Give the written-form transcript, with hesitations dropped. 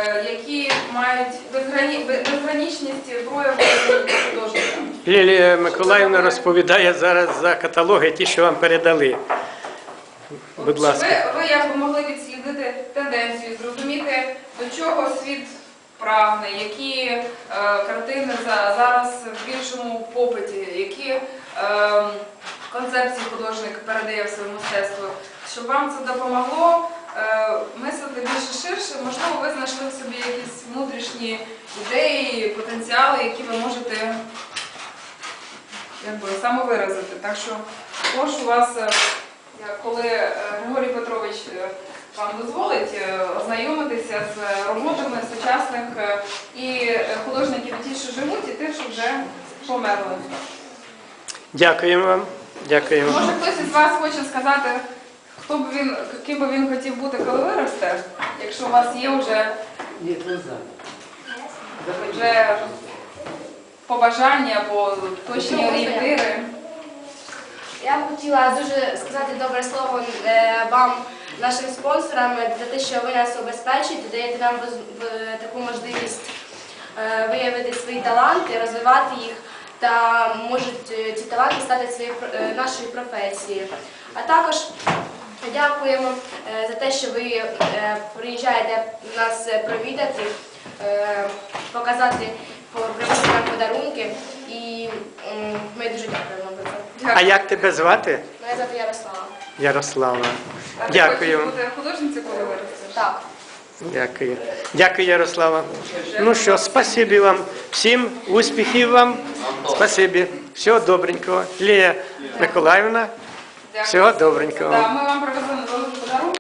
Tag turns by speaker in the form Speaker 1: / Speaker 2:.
Speaker 1: які мають безграничність прояву художника.
Speaker 2: Лілія Миколаївна розповідає зараз за каталоги, ті, що вам передали. Будь ласка.
Speaker 1: Ви якби могли відслідити тенденцію, зрозуміти, до чого світ прагне, які картини зараз в більшому попиті, які концепції художник передає в своє мистецтво. Щоб вам це допомогло мислити більше ширше, можливо, ви знайшли в собі якісь внутрішні ідеї, потенціали, які ви можете самовиразити. Так що прошу вас, коли Григорій Петрович вам дозволить, ознайомитися з роботами сучасних і художників ті, що живуть, і тих, що вже померли.
Speaker 2: Дякуємо вам. Дякуємо.
Speaker 1: Може, хтось із вас хоче сказати, ким би він хотів бути, коли виросте, якщо у вас є вже побажання або точні орієнтири.
Speaker 3: Я б хотіла дуже сказати добре слово вам, нашим спонсорам, за те, що ви нас обезпечуєте, даєте нам таку можливість виявити свої таланти, розвивати їх, та можуть ці таланти стати нашою професією. А також дякуємо за те, що ви приїжджаєте нас провідати, показати, привезти нам подарунки, і ми дуже дякуємо вам за це.
Speaker 2: А як тебе звати?
Speaker 3: Мене звати Ярослава.
Speaker 2: Ярослава.
Speaker 1: А ти
Speaker 2: Дякую.
Speaker 1: хочеш бути художницею, коли виростеш?
Speaker 3: Так.
Speaker 2: Дякую. Дякую, Ярослава. Ну що, спасибі вам всім, успіхів вам. Спасибі. Всього добренького. Лілія Миколаївна, всього добренького.
Speaker 1: Ми вам привезли